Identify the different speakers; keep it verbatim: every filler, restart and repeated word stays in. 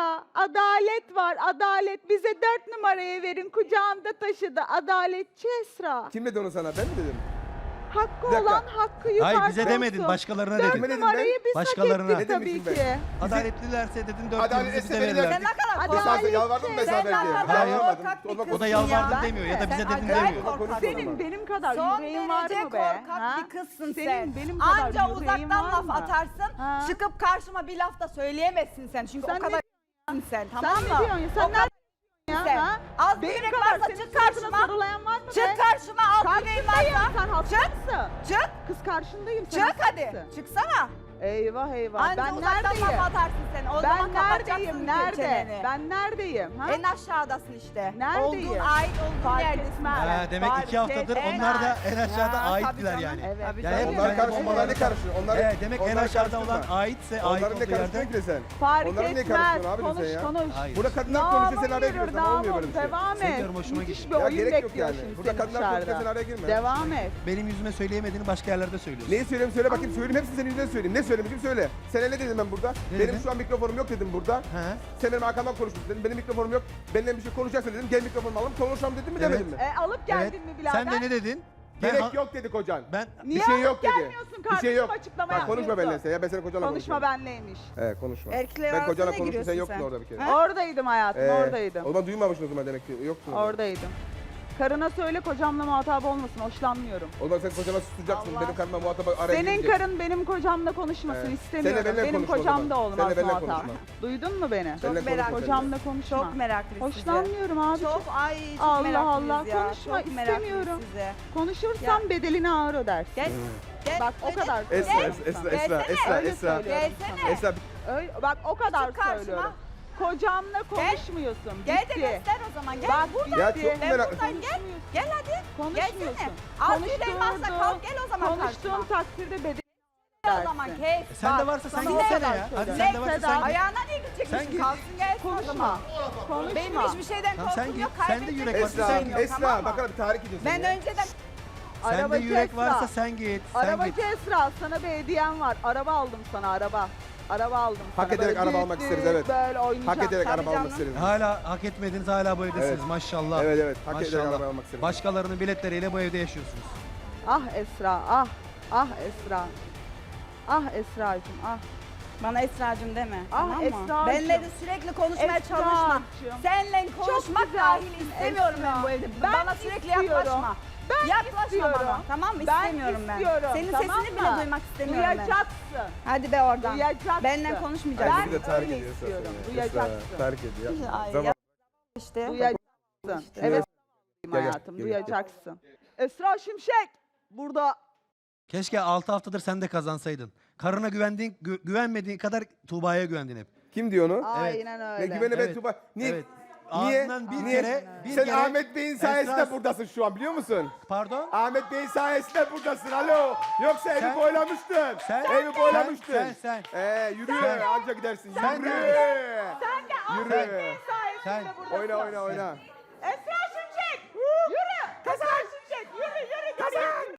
Speaker 1: Esra, adalet var, adalet. Bize dört numarayı verin, kucağında taşıdı. Adaletçi Esra.
Speaker 2: Kim dedi onu sana? Ben mi dedim?
Speaker 1: Hakkı
Speaker 2: Bir dakika.
Speaker 1: olan hakkı yukarıda
Speaker 3: Hayır bize demedin,
Speaker 1: olsun.
Speaker 3: başkalarına
Speaker 1: Dört
Speaker 3: dedin.
Speaker 2: dedim
Speaker 1: numarayı biz
Speaker 3: Başkalarına.
Speaker 1: hak ettik
Speaker 2: Ne
Speaker 1: tabii
Speaker 2: demişim
Speaker 1: ki.
Speaker 3: Adaletlilerse dedin, dört
Speaker 2: Adalet
Speaker 3: yıldızı bize
Speaker 2: etse beni
Speaker 3: verirler.
Speaker 2: ver.
Speaker 4: Sen ne kadar
Speaker 2: Bir saniye
Speaker 4: korkak.
Speaker 2: yalvardım mı
Speaker 4: Sen
Speaker 2: mesela
Speaker 4: ne
Speaker 2: belki?
Speaker 4: kadar
Speaker 2: Ben yalvarmadım.
Speaker 4: korkak bir
Speaker 2: Olma
Speaker 3: O da
Speaker 4: kızsın
Speaker 3: yalvardım
Speaker 4: ya.
Speaker 3: demiyor ya da bize
Speaker 4: Sen
Speaker 3: dedin
Speaker 4: acayip
Speaker 3: demiyor.
Speaker 4: korkaksın.
Speaker 1: Senin benim kadar
Speaker 4: Son
Speaker 1: yüreğin var
Speaker 4: derece
Speaker 1: mı be?
Speaker 4: korkak
Speaker 1: Ha?
Speaker 4: bir kızsın
Speaker 1: Senin
Speaker 4: sen.
Speaker 1: benim kadar
Speaker 4: Anca
Speaker 1: yüreğin
Speaker 4: uzaktan
Speaker 1: var
Speaker 4: laf
Speaker 1: mı?
Speaker 4: atarsın.
Speaker 1: Ha?
Speaker 4: Çıkıp karşıma bir laf da söyleyemezsin sen. Çünkü
Speaker 1: Sen
Speaker 4: o kadar sen,
Speaker 1: Sen
Speaker 4: tamam mı?
Speaker 1: ne diyorsun ya? Sen
Speaker 4: O kadar
Speaker 1: Ya,
Speaker 4: sen.
Speaker 1: ha?
Speaker 4: Az bir
Speaker 1: Benim
Speaker 4: yürek
Speaker 1: kadar
Speaker 4: varsa
Speaker 1: senin
Speaker 4: çık
Speaker 1: suratına
Speaker 4: karşıma.
Speaker 1: sarılayan var mı be?
Speaker 4: Çık karşıma az yüreğin
Speaker 1: Karşındayım.
Speaker 4: varsa.
Speaker 1: Sen hasta
Speaker 4: Çık.
Speaker 1: mısın?
Speaker 4: Çık.
Speaker 1: Kız karşındayım. Sen
Speaker 4: Çık hadi.
Speaker 1: hastasın.
Speaker 4: Çıksana.
Speaker 1: Eyvah eyvah.
Speaker 4: Anca
Speaker 1: ben
Speaker 4: uzaktan
Speaker 1: neredeyim?
Speaker 4: laf atarsın sen. O zaman
Speaker 1: Ben
Speaker 4: kapatacaksın
Speaker 1: neredeyim? Nerede?
Speaker 4: çeneni.
Speaker 1: Ben neredeyim? Ha?
Speaker 4: En aşağıdasın işte.
Speaker 1: Neredeyim?
Speaker 4: Olduğun, ait olduğun
Speaker 1: Fark
Speaker 4: yerdesin.
Speaker 1: etmez.
Speaker 4: sen.
Speaker 3: Ha, demek
Speaker 1: Fark
Speaker 3: iki haftadır
Speaker 1: etmez.
Speaker 3: onlar da en aşağıda
Speaker 4: Ha,
Speaker 3: aittiler
Speaker 4: tabii
Speaker 3: yani.
Speaker 4: canım.
Speaker 1: Evet.
Speaker 4: Tabii
Speaker 3: Yani
Speaker 4: canım.
Speaker 3: hep
Speaker 2: Onların
Speaker 3: yani
Speaker 2: karıştırma, onlar ne karıştırıyor? Onlar,
Speaker 3: Evet, demek en
Speaker 2: onları
Speaker 3: aşağıda olan
Speaker 2: karıştırma.
Speaker 3: aitse ait
Speaker 2: Onların ne
Speaker 3: olduğu yerde.
Speaker 2: karıştırıyor ki sen?
Speaker 1: Fark
Speaker 2: Onların ne
Speaker 1: etmez.
Speaker 2: karıştırıyorsun abi
Speaker 1: Konuş
Speaker 2: sen ya?
Speaker 1: konuş.
Speaker 3: Hayır.
Speaker 2: Burada kadınlar konuşuyor sen araya giriyorsun ama olmuyor böyle bir şey.
Speaker 1: Devam et.
Speaker 3: Seviyorum, hoşuma
Speaker 1: Müthiş
Speaker 3: gitti.
Speaker 1: bir
Speaker 2: Ya
Speaker 1: oyun
Speaker 2: gerek yok
Speaker 1: bekliyor
Speaker 2: yani.
Speaker 1: şimdi
Speaker 2: Burada
Speaker 1: seni
Speaker 2: kadınlar konuşuyor
Speaker 1: dışarıda.
Speaker 2: sen araya girme.
Speaker 1: Devam et.
Speaker 3: Benim yüzüme söyleyemediğini başka yerlerde söylüyorsun.
Speaker 2: Neyi söyleyeyim söyle bakayım, söyleyeyim hepsini senin yüzünden söyleyeyim. Ne söylemişim söyle. Sen ne dedim ben burada?
Speaker 3: Ne
Speaker 2: benim
Speaker 3: dedin?
Speaker 2: şu an mikrofonum yok dedim burada.
Speaker 3: He.
Speaker 2: Sen benim arkamdan konuştun dedim. Benim mikrofonum yok. Benimle bir şey konuşacaksın dedim. Gel mikrofonumu alalım konuşalım dedim mi
Speaker 3: Evet.
Speaker 2: demedim mi?
Speaker 1: E, alıp geldin mi birader?
Speaker 3: Sen de ne dedin? Ben
Speaker 2: Gerek
Speaker 3: ha-
Speaker 2: yok dedi kocan.
Speaker 3: Ben
Speaker 1: Niye
Speaker 2: bir şey
Speaker 1: alıp
Speaker 2: yok dedi.
Speaker 1: gelmiyorsun
Speaker 2: Bir şey
Speaker 1: kardeşim,
Speaker 2: yok.
Speaker 1: açıklama
Speaker 2: Bak konuşma
Speaker 1: yapıyorsun.
Speaker 2: benimle sen ya ben senin kocanla
Speaker 1: Konuşma
Speaker 2: konuşuyorum.
Speaker 1: benleymiş.
Speaker 2: Evet konuşma.
Speaker 4: Erkekler
Speaker 2: Ben kocanla
Speaker 4: arasına
Speaker 2: konuştum sen
Speaker 4: giriyorsun
Speaker 2: yoktun
Speaker 4: sen.
Speaker 2: orada bir kere.
Speaker 4: Ha?
Speaker 1: Oradaydım hayatım,
Speaker 2: Ee,
Speaker 1: oradaydım.
Speaker 2: O zaman duymamışsın o zaman demek ki yoktun. orada.
Speaker 1: Oradaydım. Karına söyle kocamla muhatap olmasın, hoşlanmıyorum.
Speaker 2: O zaman sen kocana susacaksın.
Speaker 4: Allah.
Speaker 2: Benim karnıma muhatap araya
Speaker 1: Senin
Speaker 2: girecek.
Speaker 1: karın benim kocamla konuşmasın
Speaker 2: Evet.
Speaker 1: istemiyorum.
Speaker 2: Seninle benimle
Speaker 1: Benim
Speaker 2: konuş o
Speaker 1: kocam
Speaker 2: zaman.
Speaker 1: da olmaz
Speaker 2: Seninle benimle
Speaker 1: muhatap.
Speaker 2: konuşma.
Speaker 1: Duydun mu beni?
Speaker 2: Seninle
Speaker 4: Çok merak
Speaker 2: konuşma
Speaker 1: Kocamla
Speaker 2: seninle.
Speaker 1: konuşma.
Speaker 4: Çok meraklıyız size.
Speaker 1: Hoşlanmıyorum abi.
Speaker 4: Çok ay çok
Speaker 1: Allah
Speaker 4: meraklıyız
Speaker 1: Allah,
Speaker 4: ya.
Speaker 1: konuşma,
Speaker 4: Çok meraklıyız
Speaker 1: istemiyorum.
Speaker 4: size.
Speaker 1: Konuşursan bedelini ağır ödersin.
Speaker 4: Gel. Gel.
Speaker 1: Bak o
Speaker 4: Öyle-
Speaker 1: kadar
Speaker 2: Esra,
Speaker 1: söylüyorum
Speaker 2: Esra,
Speaker 1: sana.
Speaker 2: Esra,
Speaker 4: Gelsene.
Speaker 2: Esra,
Speaker 1: Öyle
Speaker 2: Esra,
Speaker 1: söylüyorum
Speaker 4: Gelsene.
Speaker 1: sana.
Speaker 2: Esra.
Speaker 1: Öyle, bak o kadar
Speaker 4: Çık karşıma.
Speaker 1: söylüyorum. Kocamla konuşmuyorsun.
Speaker 4: Gel de
Speaker 1: Bitti.
Speaker 4: göster o zaman. Gel.
Speaker 1: Bak
Speaker 4: burada.
Speaker 2: Ya
Speaker 1: bitti.
Speaker 2: çok
Speaker 4: Ben
Speaker 2: merak.
Speaker 4: buradayım. Gel. Gel hadi.
Speaker 1: Konuşmuyorsun.
Speaker 4: Gelsene. Az yüreğin varsa kalk gel o zaman
Speaker 1: Konuştuğun
Speaker 4: karşıma.
Speaker 1: takdirde bedeli
Speaker 4: Gel o zaman
Speaker 1: dersin.
Speaker 4: kes.
Speaker 3: E sen de
Speaker 1: Bak,
Speaker 3: varsa sen
Speaker 1: sana
Speaker 3: gitsene
Speaker 1: o kadar
Speaker 3: ya. Hadi
Speaker 1: söylüyorum.
Speaker 3: sen de varsa
Speaker 1: Neyse,
Speaker 3: sen git.
Speaker 4: Ayağına niye
Speaker 3: Sen
Speaker 4: gidecekmişsin?
Speaker 3: git.
Speaker 4: Kalsın gelsin o
Speaker 1: Konuşma.
Speaker 4: zaman.
Speaker 1: Konuşma.
Speaker 4: Benim hiçbir şeyden
Speaker 3: Tamam, sen
Speaker 4: korkum
Speaker 3: git.
Speaker 4: yok.
Speaker 3: Sen de
Speaker 4: Kaybedecek
Speaker 3: yürek
Speaker 4: bir
Speaker 3: varsa
Speaker 2: Esra,
Speaker 3: sen
Speaker 4: şeyim
Speaker 3: git.
Speaker 4: yok,
Speaker 2: Esra
Speaker 4: tamam
Speaker 2: bak
Speaker 4: mı?
Speaker 2: abi tahrik ediyorsun
Speaker 4: Ben
Speaker 2: ya.
Speaker 4: önceden
Speaker 3: Sende
Speaker 1: Arabacı
Speaker 3: yürek
Speaker 1: Esra.
Speaker 3: varsa sen git. Sen git.
Speaker 1: Arabacı Esra, sana bir hediyem var. Araba aldım sana, araba. Araba aldım sana.
Speaker 2: Hak ederek
Speaker 1: Böyle
Speaker 2: araba
Speaker 1: büyük
Speaker 2: almak
Speaker 1: büyük
Speaker 2: isteriz, evet.
Speaker 1: Böyle oynayacağım.
Speaker 2: Hak ederek
Speaker 4: Tabii
Speaker 2: araba almak
Speaker 4: canım.
Speaker 2: isteriz.
Speaker 3: Hala hak etmediniz, hala bu evdesiniz
Speaker 2: Evet.
Speaker 3: maşallah.
Speaker 2: Evet evet hak ederek
Speaker 3: Maşallah.
Speaker 2: araba almak isteriz.
Speaker 3: Başkalarının biletleriyle bu evde yaşıyorsunuz.
Speaker 1: Ah Esra, ah. Ah Esra. Ah Esra'cığım, ah.
Speaker 4: bana Esra'cığım deme.
Speaker 1: Ah,
Speaker 4: tamam mı?
Speaker 1: Esra'cığım.
Speaker 4: Benle de sürekli konuşmaya
Speaker 1: Esra'cığım.
Speaker 4: çalışma. Seninle konuşmak
Speaker 1: güzelsin
Speaker 4: dahil istemiyorum
Speaker 1: Esra.
Speaker 4: ben bu evde.
Speaker 1: Ben
Speaker 4: bana sürekli
Speaker 1: istiyorum.
Speaker 4: yaklaşma.
Speaker 1: Ben
Speaker 4: yaklaşma
Speaker 1: istiyorum.
Speaker 4: bana. Tamam mı?
Speaker 1: Ben
Speaker 4: İstemiyorum ben.
Speaker 1: istiyorum,
Speaker 4: Senin
Speaker 1: tamam
Speaker 4: sesini
Speaker 1: mı?
Speaker 4: bile duymak istemiyorum ben.
Speaker 1: Duyacaksın.
Speaker 4: Hadi be oradan.
Speaker 1: Duyacaksın.
Speaker 4: Benimle
Speaker 1: Ben
Speaker 4: konuşmayacaksın.
Speaker 2: Bir de tahrik
Speaker 1: öyle
Speaker 2: ediyor Esra
Speaker 1: istiyorum,
Speaker 2: seni.
Speaker 1: duyacaksın.
Speaker 2: Esra, tahrik ediyor.
Speaker 4: Ay,
Speaker 2: Zaman-
Speaker 4: ya işte.
Speaker 1: Duyacaksın.
Speaker 4: İşte.
Speaker 1: Evet
Speaker 2: Gel, gel,
Speaker 1: hayatım,
Speaker 2: gel,
Speaker 1: duyacaksın. Esra Şimşek burada.
Speaker 3: Keşke altı haftadır sen de kazansaydın. Karına güvendiğin, gü- güvenmediğin kadar Tuğba'ya güvendin hep.
Speaker 2: Kim diyor onu?
Speaker 1: Aynen
Speaker 2: Ne
Speaker 1: öyle.
Speaker 2: güvene ben
Speaker 3: Evet,
Speaker 2: Tuba. Niye?
Speaker 3: evet.
Speaker 2: Niye?
Speaker 3: Ağzından bir
Speaker 2: Niye?
Speaker 3: kere- bir
Speaker 2: Sen
Speaker 3: kere-
Speaker 2: Ahmet Bey'in sayesinde
Speaker 3: Esra-
Speaker 2: buradasın şu an biliyor musun?
Speaker 3: Pardon?
Speaker 2: Ahmet Bey'in sayesinde buradasın. Alo. Yoksa evi
Speaker 3: Sen-
Speaker 2: boylamıştın.
Speaker 3: sen-
Speaker 2: evi boylamıştın.
Speaker 3: sen- sen-
Speaker 2: Ee, yürü.
Speaker 3: Sen-
Speaker 2: Anca gidersin.
Speaker 3: sen
Speaker 2: yürü.
Speaker 3: de-
Speaker 2: Yürü.
Speaker 1: Sayesinde
Speaker 3: Sen-
Speaker 1: buradasın.
Speaker 2: Oyna oyna oyna.